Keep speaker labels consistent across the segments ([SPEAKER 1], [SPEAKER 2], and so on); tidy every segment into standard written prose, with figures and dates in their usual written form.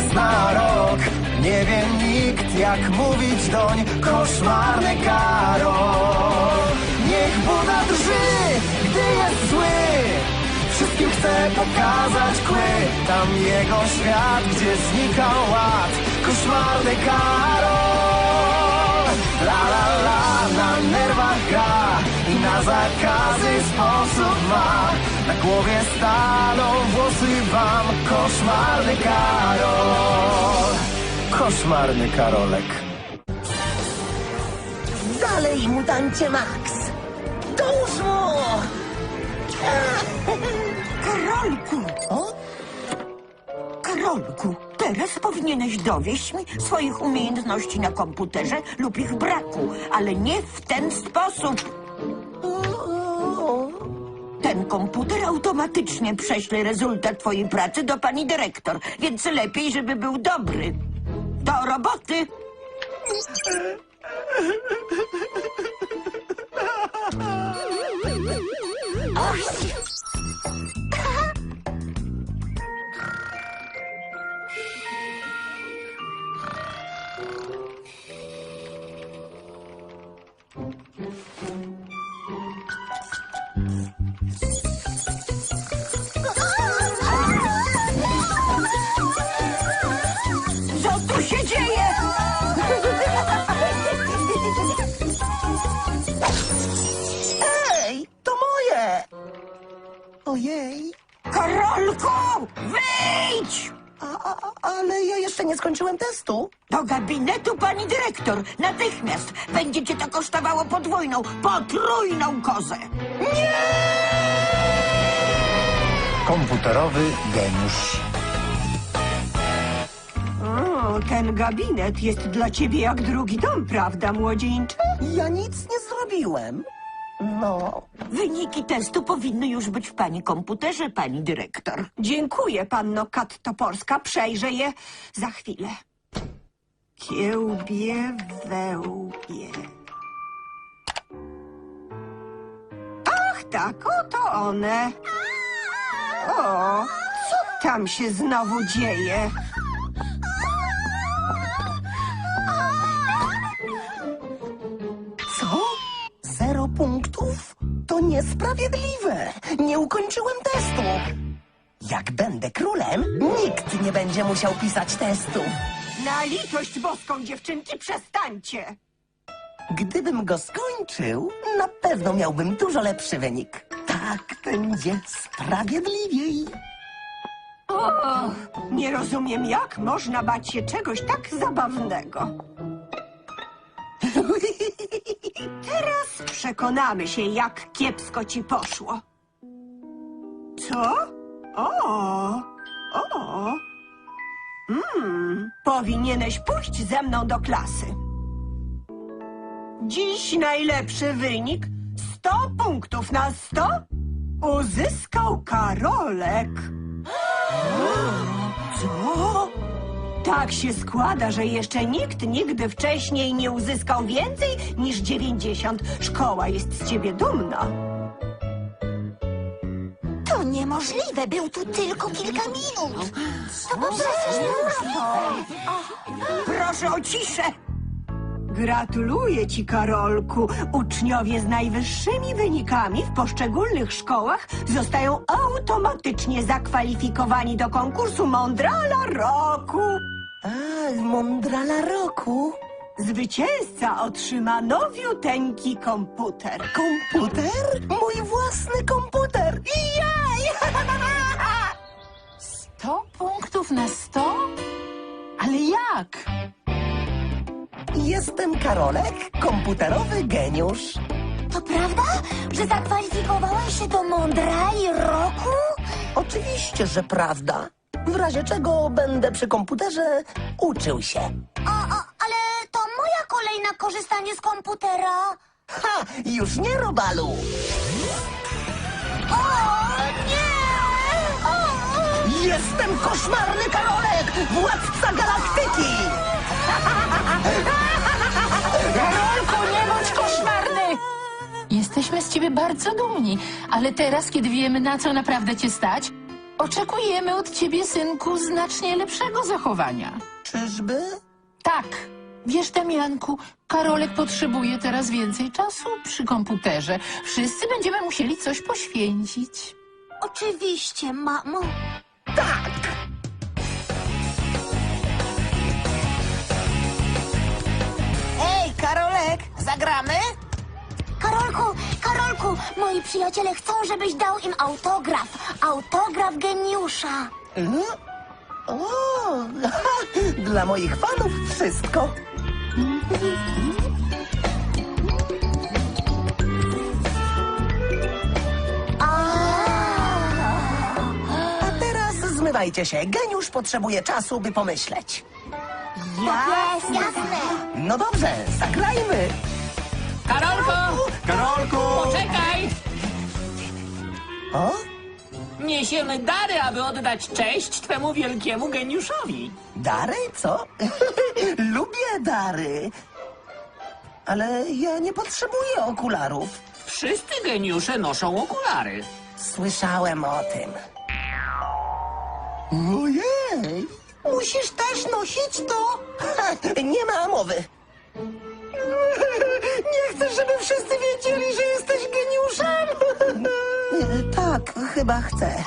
[SPEAKER 1] raz na rok. Nie wie nikt, jak mówić doń koszmarny Karol. Niech Buda drży, gdy jest zły, wszystkim chce pokazać kły. Tam jego świat, gdzie znika ład, koszmarny Karol. La la la, na nerwach gra i na zakazy sposób ma. Na głowie staną włosy wam, koszmarny Karol. Koszmarny Karolek.
[SPEAKER 2] Dalej, mutancie Max! Dołóż mu!
[SPEAKER 3] Karolku!
[SPEAKER 2] O?
[SPEAKER 3] Karolku, teraz powinieneś dowieść mi swoich umiejętności na komputerze lub ich braku, ale nie w ten sposób. Ten komputer automatycznie prześle rezultat twojej pracy do pani dyrektor, więc lepiej, żeby był dobry. Do roboty! Co tu się dzieje?
[SPEAKER 2] Ej, to moje! Ojej,
[SPEAKER 3] Karolku, wyjdź!
[SPEAKER 2] ale ja jeszcze nie skończyłem testu.
[SPEAKER 3] Do gabinetu pani dyrektor! Natychmiast! Będzie cię to kosztowało potrójną kozę!
[SPEAKER 1] Komputerowy geniusz.
[SPEAKER 3] O, ten gabinet jest dla ciebie jak drugi dom, prawda, młodzieńcze?
[SPEAKER 2] Ja nic nie zrobiłem. No,
[SPEAKER 3] Wyniki testu powinny już być w pani komputerze, pani dyrektor.
[SPEAKER 4] Dziękuję, panno Kat Toporska. Przejrzę je za chwilę.
[SPEAKER 3] Kiełbie, wełbie.
[SPEAKER 4] Ach tak, oto one. O, co tam się znowu dzieje?
[SPEAKER 2] co? 0 punktów? To niesprawiedliwe. Nie ukończyłem testu. Jak będę królem, nikt nie będzie musiał pisać testów.
[SPEAKER 4] Na litość boską, dziewczynki, przestańcie!
[SPEAKER 2] Gdybym go skończył, na pewno miałbym dużo lepszy wynik. Tak będzie sprawiedliwiej.
[SPEAKER 4] Nie rozumiem, jak można bać się czegoś tak zabawnego. Teraz przekonamy się, jak kiepsko ci poszło. Co? Powinieneś pójść ze mną do klasy. Dziś najlepszy wynik 100 punktów na 100 uzyskał Karolek. Co? Tak się składa, że jeszcze nikt nigdy wcześniej nie uzyskał więcej niż 90. Szkoła jest z ciebie dumna.
[SPEAKER 5] To niemożliwe, był tu tylko kilka minut. To po prostu niemożliwe.
[SPEAKER 3] Proszę o ciszę!
[SPEAKER 4] Gratuluję ci, Karolku. Uczniowie z najwyższymi wynikami w poszczególnych szkołach zostają automatycznie zakwalifikowani do konkursu Mądrala Roku.
[SPEAKER 2] A, Mądrala Roku.
[SPEAKER 4] Zwycięzca otrzyma nowiuteńki komputer.
[SPEAKER 2] Komputer? Mój własny komputer. Jej!
[SPEAKER 6] 100 punktów na 100? Ale jak?
[SPEAKER 2] Jestem Karolek, komputerowy geniusz.
[SPEAKER 5] To prawda, że zakwalifikowałeś się do Mądrali Roku?
[SPEAKER 2] Oczywiście, że prawda. W razie czego będę przy komputerze uczył się.
[SPEAKER 5] Ale to moja kolej na korzystanie z komputera.
[SPEAKER 2] Ha! Już nie, Robalu!
[SPEAKER 5] O, nie!
[SPEAKER 2] Jestem koszmarny Karolek, władca galaktyki!
[SPEAKER 6] Karolku, nie bądź koszmarny! Jesteśmy z ciebie bardzo dumni, ale teraz, kiedy wiemy, na co naprawdę cię stać, Oczekujemy od ciebie, synku, znacznie lepszego zachowania.
[SPEAKER 2] Czyżby?
[SPEAKER 6] Tak. Wiesz, Damianku, Karolek potrzebuje teraz więcej czasu przy komputerze. Wszyscy będziemy musieli coś poświęcić.
[SPEAKER 5] Oczywiście, mamo.
[SPEAKER 7] Ej, Karolek, zagramy?
[SPEAKER 5] Karolku, moi przyjaciele chcą, żebyś dał im autograf. Autograf geniusza.
[SPEAKER 2] O, dla moich fanów wszystko. A teraz zmywajcie się. Geniusz potrzebuje czasu, by pomyśleć.
[SPEAKER 5] Jasne.
[SPEAKER 2] No dobrze, zagrajmy.
[SPEAKER 8] Karolku, poczekaj!
[SPEAKER 2] O?
[SPEAKER 8] Niesiemy dary, aby oddać cześć twemu wielkiemu geniuszowi.
[SPEAKER 2] Dary? Co? Lubię dary. Ale ja nie potrzebuję okularów.
[SPEAKER 8] Wszyscy geniusze noszą okulary.
[SPEAKER 2] Słyszałem o tym. Ojej! Musisz też nosić to? Nie ma mowy. Nie chcesz, żeby wszyscy wiedzieli, że jesteś geniuszem? Tak, chyba chcę.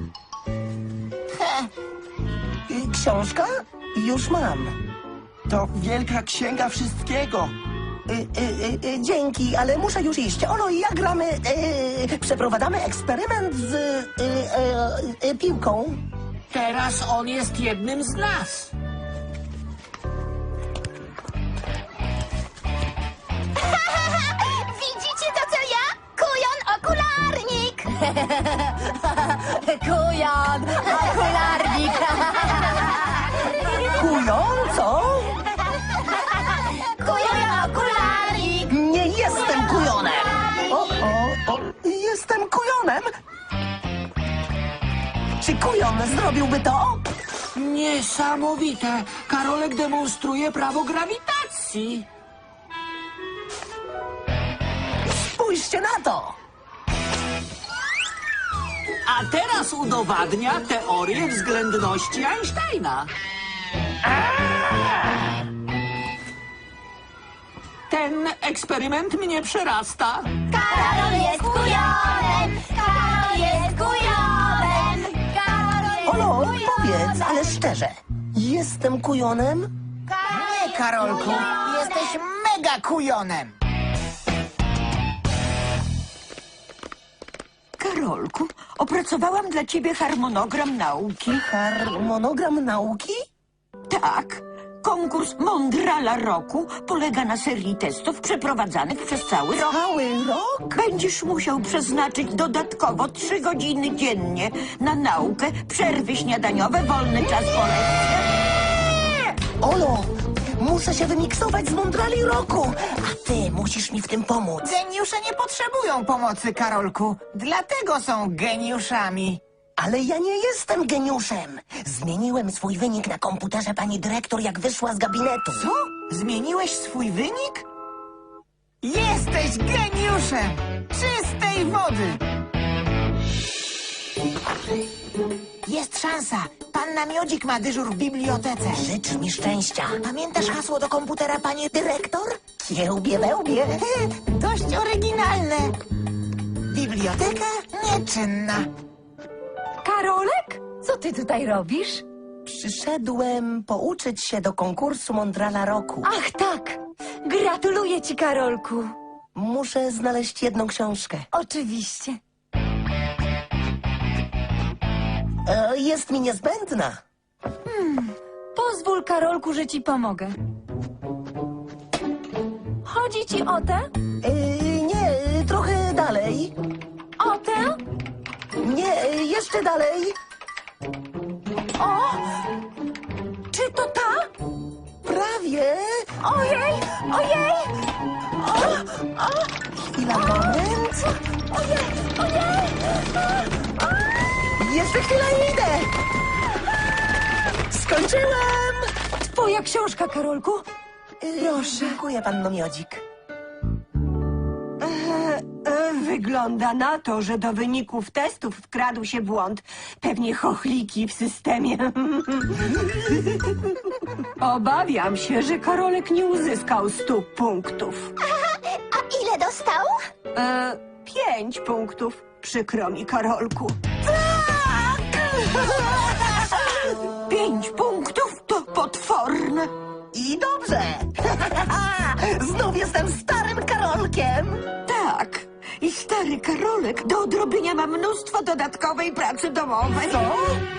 [SPEAKER 2] Książka? Już mam.
[SPEAKER 1] To wielka księga wszystkiego.
[SPEAKER 2] Dzięki, ale muszę już iść. Olo i ja gramy... przeprowadzamy eksperyment z... piłką.
[SPEAKER 8] Teraz on jest jednym z nas.
[SPEAKER 5] Widzicie to, co ja? Kujon okularnik.
[SPEAKER 3] Kujon, okularnik.
[SPEAKER 2] Kują, co?
[SPEAKER 5] Kujon okularnik.
[SPEAKER 2] Nie jestem kujonem! O, jestem kujonem! Czy kujon zrobiłby to?
[SPEAKER 8] Niesamowite. Karolek demonstruje prawo grawitacji.
[SPEAKER 2] Spójrzcie na to!
[SPEAKER 8] A teraz udowadnia teorię względności Einsteina. Ten eksperyment mnie przerasta.
[SPEAKER 5] Karol jest kujonem. Karol jest kujonem.
[SPEAKER 2] Olo, powiedz, ale szczerze, jestem kujonem?
[SPEAKER 7] Nie, Karolku, jesteś mega kujonem.
[SPEAKER 3] Karolku, opracowałam dla ciebie harmonogram nauki.
[SPEAKER 2] Harmonogram nauki?
[SPEAKER 3] Tak. Konkurs Mondrala Roku polega na serii testów przeprowadzanych przez cały rok.
[SPEAKER 2] Cały rok?
[SPEAKER 3] Będziesz musiał przeznaczyć dodatkowo 3 godziny dziennie na naukę, przerwy śniadaniowe, wolny czas po lekcjach.
[SPEAKER 2] Olo, muszę się wymiksować z Mondrali roku, a ty musisz mi w tym pomóc.
[SPEAKER 7] Geniusze nie potrzebują pomocy, Karolku. Dlatego są geniuszami.
[SPEAKER 2] Ale ja nie jestem geniuszem. Zmieniłem swój wynik na komputerze pani dyrektor, jak wyszła z gabinetu.
[SPEAKER 7] Co? Zmieniłeś swój wynik? Jesteś geniuszem! Czystej wody! Jest szansa. Panna Miodzik ma dyżur w bibliotece.
[SPEAKER 2] Życz mi szczęścia.
[SPEAKER 7] Pamiętasz hasło do komputera, pani dyrektor?
[SPEAKER 2] Kiełbie wełbie.
[SPEAKER 7] Dość oryginalne. Biblioteka nieczynna.
[SPEAKER 9] Karolek? Co ty tutaj robisz?
[SPEAKER 2] Przyszedłem pouczyć się do konkursu Mondrala roku.
[SPEAKER 9] Ach tak! Gratuluję ci, Karolku.
[SPEAKER 2] Muszę znaleźć jedną książkę.
[SPEAKER 9] Oczywiście.
[SPEAKER 2] Jest mi niezbędna.
[SPEAKER 9] Pozwól, Karolku, że ci pomogę. Chodzi ci o tę?
[SPEAKER 2] Nie, trochę dalej.
[SPEAKER 9] O tę?
[SPEAKER 2] Nie, jeszcze dalej.
[SPEAKER 9] O! Czy to ta?
[SPEAKER 2] Prawie.
[SPEAKER 9] Ojej! Ojej!
[SPEAKER 2] Chwila, moment.
[SPEAKER 9] Ojej! Ojej!
[SPEAKER 2] Jeszcze chwilę idę. Skończyłem.
[SPEAKER 9] Twoja książka, Karolku? Proszę.
[SPEAKER 2] Dziękuję, panno Miodzik.
[SPEAKER 4] Wygląda na to, że do wyników testów wkradł się błąd. Pewnie chochliki w systemie. Obawiam się, że Karolek nie uzyskał 100 punktów.
[SPEAKER 5] A ile dostał?
[SPEAKER 4] 5 punktów. Przykro mi, Karolku. 5 punktów to potworne.
[SPEAKER 2] I dobrze. Znów jestem starym Karolkiem.
[SPEAKER 3] Tak. I stary Karolek do odrobienia ma mnóstwo dodatkowej pracy domowej.
[SPEAKER 2] Co?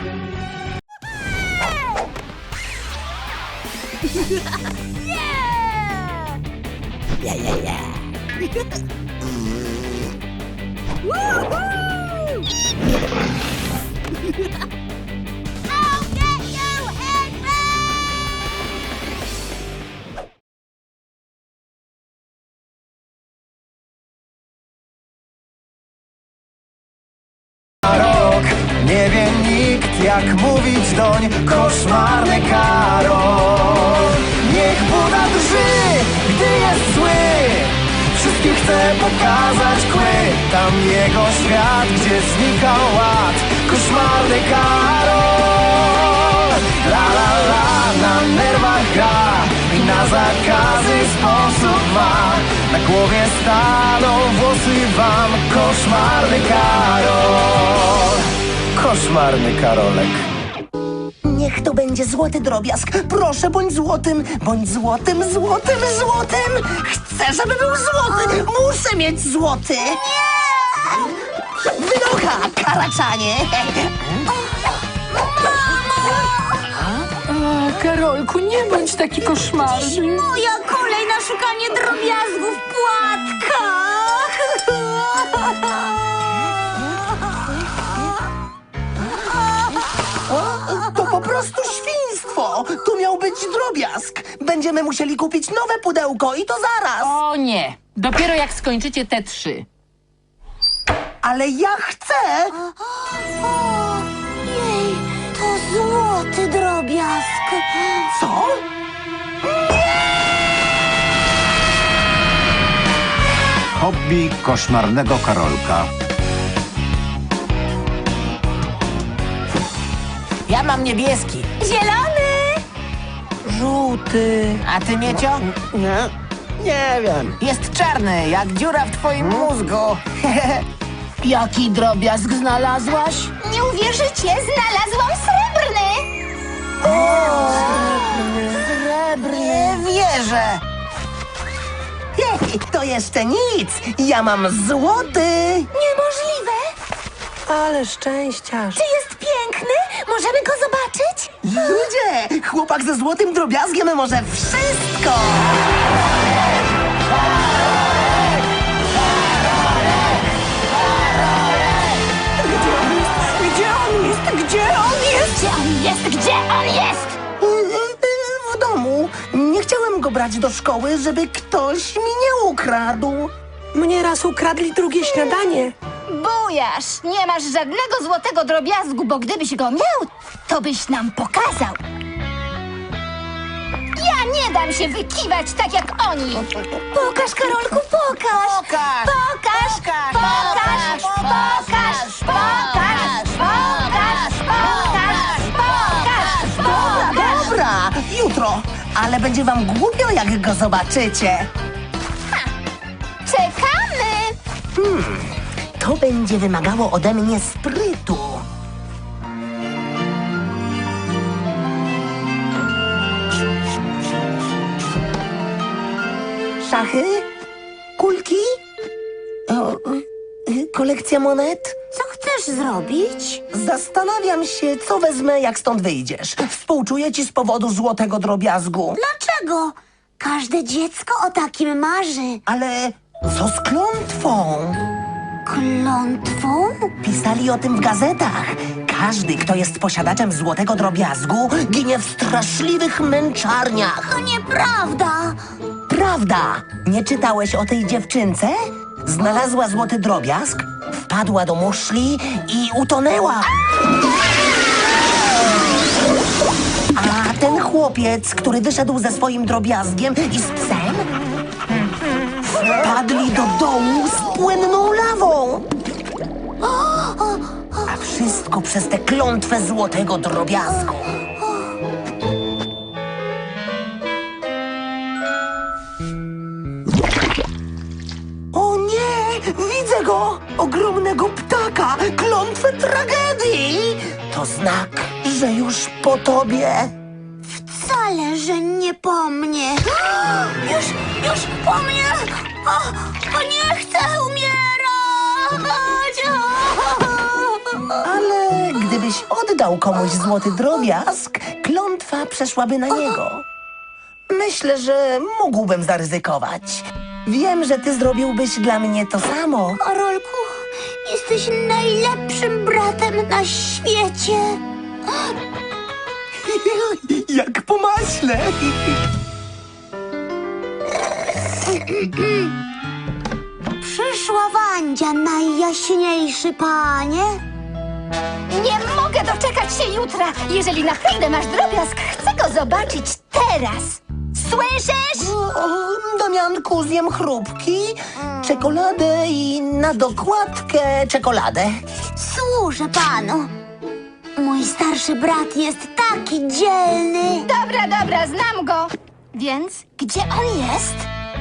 [SPEAKER 1] Rok, nie wie nikt jak mówić doń. Koszmarny Karol. Niech Buda drży, gdy jest zły. Wszystkim chce pokazać kły. Tam jego świat, gdzie znika ład. Koszmarny Karol. La la la, na nerwach gra i na zakazy sposób ma. Na głowie staną włosy wam. Koszmarny Karol. Koszmarny Karolek.
[SPEAKER 2] Niech to będzie złoty drobiazg. Proszę, bądź złotym, bądź złotym, złotym, złotym. Chcę, żeby był złoty. Muszę mieć złoty. Wynocha, karaczanie.
[SPEAKER 6] A, Karolku, nie bądź taki koszmarny.
[SPEAKER 9] Moja kolej na szukanie drobiazgów w płatkach.
[SPEAKER 2] To po prostu świństwo. Tu miał być drobiazg. Będziemy musieli kupić nowe pudełko i to zaraz.
[SPEAKER 6] O nie, dopiero jak skończycie te 3.
[SPEAKER 2] Ale ja chcę.
[SPEAKER 5] Jej, to złoty drobiazg.
[SPEAKER 2] Co?
[SPEAKER 10] Hobby koszmarnego Karolka.
[SPEAKER 7] Ja mam niebieski.
[SPEAKER 9] Zielony.
[SPEAKER 2] Żółty.
[SPEAKER 7] A ty, Miecio?
[SPEAKER 2] Nie wiem.
[SPEAKER 7] Jest czarny, jak dziura w twoim mózgu.
[SPEAKER 2] Jaki drobiazg znalazłaś?
[SPEAKER 5] Nie uwierzycie, znalazłam srebrny.
[SPEAKER 7] Nie wierzę.
[SPEAKER 2] Hej, to jeszcze nic. Ja mam złoty.
[SPEAKER 5] Niemożliwe.
[SPEAKER 9] Ale szczęściarz.
[SPEAKER 5] Czy jest piękny? Możemy go zobaczyć?
[SPEAKER 2] Ludzie, chłopak ze złotym drobiazgiem może wszystko.
[SPEAKER 4] Gdzie on jest? Gdzie on jest?
[SPEAKER 5] Gdzie on jest? Gdzie on jest?
[SPEAKER 2] W domu. Nie chciałem go brać do szkoły, żeby ktoś mi nie ukradł.
[SPEAKER 9] Mnie raz ukradli drugie śniadanie.
[SPEAKER 5] Bujasz, nie masz żadnego złotego drobiazgu, bo gdybyś go miał, to byś nam pokazał. Ja nie dam się wykiwać tak jak oni. Pokaż, Karolku, pokaż.
[SPEAKER 7] Pokaż.
[SPEAKER 5] Pokaż, pokaż, pokaż, pokaż, pokaż, pokaż, pokaż, pokaż.
[SPEAKER 2] Dobra, jutro. Ale będzie wam głupio, jak go zobaczycie.
[SPEAKER 5] Czekamy.
[SPEAKER 2] To będzie wymagało ode mnie sprytu. Szachy? Kulki? Kolekcja monet?
[SPEAKER 5] Co chcesz zrobić?
[SPEAKER 2] Zastanawiam się, co wezmę, jak stąd wyjdziesz. Współczuję ci z powodu złotego drobiazgu.
[SPEAKER 5] Dlaczego? Każde dziecko o takim marzy.
[SPEAKER 2] Ale co z klątwą?
[SPEAKER 5] Klątwą?
[SPEAKER 2] Pisali o tym w gazetach. Każdy, kto jest posiadaczem złotego drobiazgu, ginie w straszliwych męczarniach.
[SPEAKER 5] To nieprawda.
[SPEAKER 2] Prawda? Nie czytałeś o tej dziewczynce? Znalazła złoty drobiazg, wpadła do muszli i utonęła. A ten chłopiec, który wyszedł ze swoim drobiazgiem i z psem, Padli do dołu z płynną lawą. A wszystko przez tę klątwę złotego drobiazgu. O nie! Widzę go! Ogromnego ptaka! Klątwę tragedii! To znak, że już po tobie.
[SPEAKER 9] Wcale, że nie po mnie. Już po mnie! O nie chcę umierać!
[SPEAKER 2] Ale gdybyś oddał komuś złoty drobiazg, klątwa przeszłaby na niego. Myślę, że mógłbym zaryzykować. Wiem, że ty zrobiłbyś dla mnie to samo.
[SPEAKER 9] Karolku, jesteś najlepszym bratem na świecie.
[SPEAKER 2] Jak po maśle.
[SPEAKER 9] Przyszła Wandzia, najjaśniejszy panie.
[SPEAKER 5] Nie mogę doczekać się jutra. Jeżeli naprawdę masz drobiazg, chcę go zobaczyć teraz. Słyszysz?
[SPEAKER 2] Damianku, zjem chrupki, czekoladę i na dokładkę czekoladę.
[SPEAKER 9] Służę panu. Mój starszy brat jest taki dzielny.
[SPEAKER 5] Dobra, znam go. Więc gdzie on jest?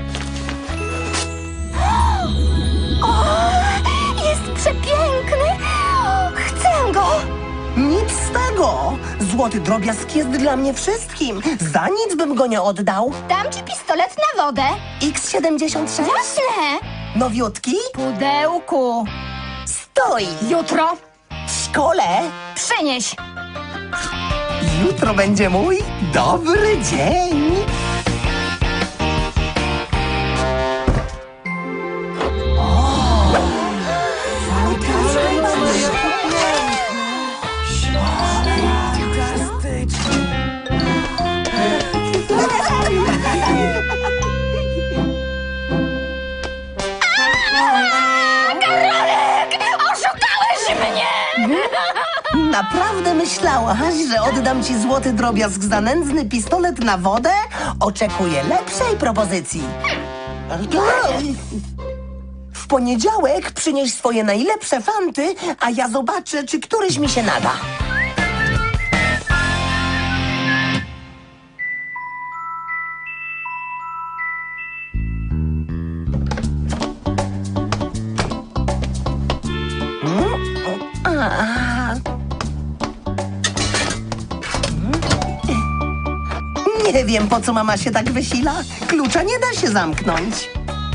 [SPEAKER 5] O, jest przepiękny. Chcę go.
[SPEAKER 2] Nic z tego. Złoty drobiazg jest dla mnie wszystkim. Za nic bym go nie oddał.
[SPEAKER 5] Dam ci pistolet na wodę.
[SPEAKER 2] X76?
[SPEAKER 5] Jasne.
[SPEAKER 2] Nowiutki?
[SPEAKER 5] Pudełku.
[SPEAKER 2] Stoi.
[SPEAKER 5] Jutro
[SPEAKER 2] W szkole?
[SPEAKER 5] przynieś.
[SPEAKER 2] Jutro będzie mój dobry dzień.
[SPEAKER 5] Karolek! Oszukałeś mnie!
[SPEAKER 2] Naprawdę myślałaś, że oddam ci złoty drobiazg za nędzny pistolet na wodę? Oczekuję lepszej propozycji. W poniedziałek przynieś swoje najlepsze fanty, a ja zobaczę, czy któryś mi się nada. Nie wiem, po co mama się tak wysila. Klucza nie da się zamknąć.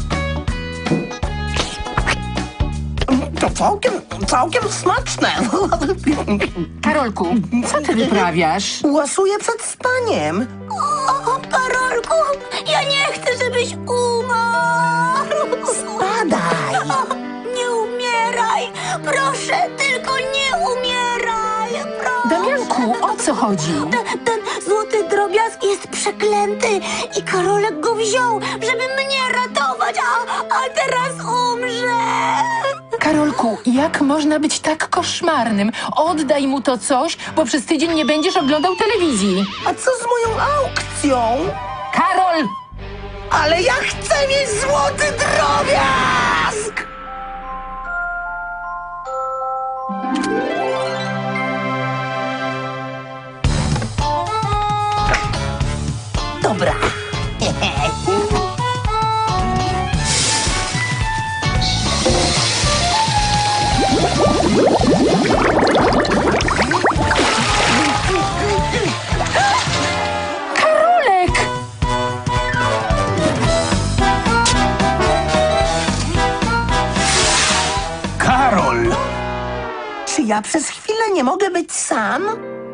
[SPEAKER 2] To całkiem smaczne.
[SPEAKER 6] Karolku, co ty wyprawiasz?
[SPEAKER 2] Łasuję przed spaniem.
[SPEAKER 9] O, Karolku, ja nie chcę, żebyś umarł.
[SPEAKER 2] Spadaj.
[SPEAKER 9] Nie umieraj. Proszę, tylko nie umieraj. Proszę.
[SPEAKER 6] Damianku, o co chodzi?
[SPEAKER 9] Ten złoty drobiazg jest przeklęty i Karolek go wziął, żeby mnie ratować, a teraz umrze.
[SPEAKER 6] Karolku, jak można być tak koszmarnym? Oddaj mu to coś, bo przez tydzień nie będziesz oglądał telewizji.
[SPEAKER 2] A co z moją aukcją?
[SPEAKER 6] Karol!
[SPEAKER 2] Ale ja chcę mieć złoty drobiazg! Dobra.
[SPEAKER 6] Karolek!
[SPEAKER 10] Karol!
[SPEAKER 2] Czy ja przez chwilę nie mogę być sam?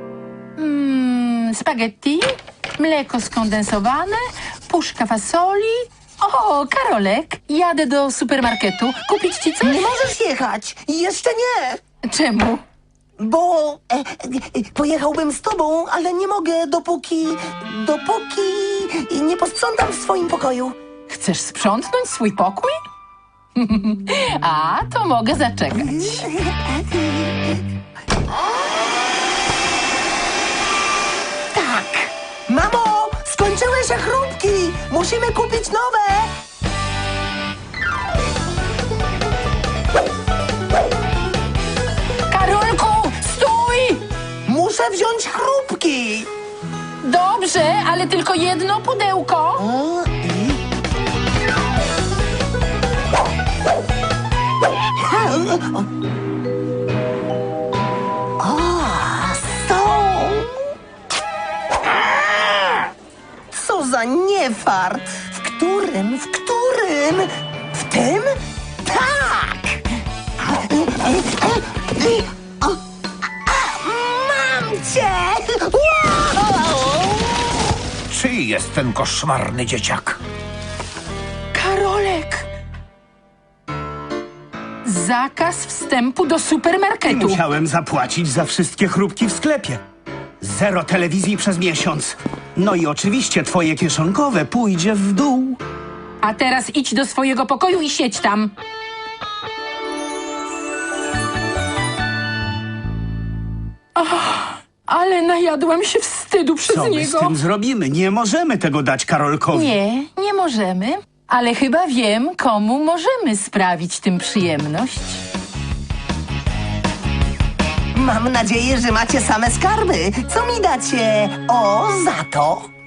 [SPEAKER 6] Spaghetti, mleko skondensowane, puszka fasoli. O, Karolek, jadę do supermarketu. Kupić ci coś?
[SPEAKER 2] Nie możesz jechać. Jeszcze nie.
[SPEAKER 6] Czemu?
[SPEAKER 2] Bo pojechałbym z tobą, ale nie mogę, dopóki nie posprzątam w swoim pokoju.
[SPEAKER 6] Chcesz sprzątnąć swój pokój? A, to mogę zaczekać.
[SPEAKER 2] Tak. Mamo, skończyły się chrupki. Musimy kupić nowe. Lili!
[SPEAKER 6] Dobrze, ale tylko jedno pudełko.
[SPEAKER 2] Są! Co za niefart! W którym? W tym? Tak! Mam cię! Wow!
[SPEAKER 10] Czyj jest ten koszmarny dzieciak?
[SPEAKER 6] Karolek! Zakaz wstępu do supermarketu.
[SPEAKER 11] Musiałem zapłacić za wszystkie chrupki w sklepie. 0 telewizji przez miesiąc. No i oczywiście twoje kieszonkowe pójdzie w dół.
[SPEAKER 6] A teraz idź do swojego pokoju i siedź tam. Ale najadłam się wstydu przez
[SPEAKER 11] Co my z
[SPEAKER 6] niego.
[SPEAKER 11] tym zrobimy? Nie możemy tego dać Karolkowi.
[SPEAKER 6] Nie możemy. Ale chyba wiem, komu możemy sprawić tym przyjemność.
[SPEAKER 2] Mam nadzieję, że macie same skarby. Co mi dacie? O, za to?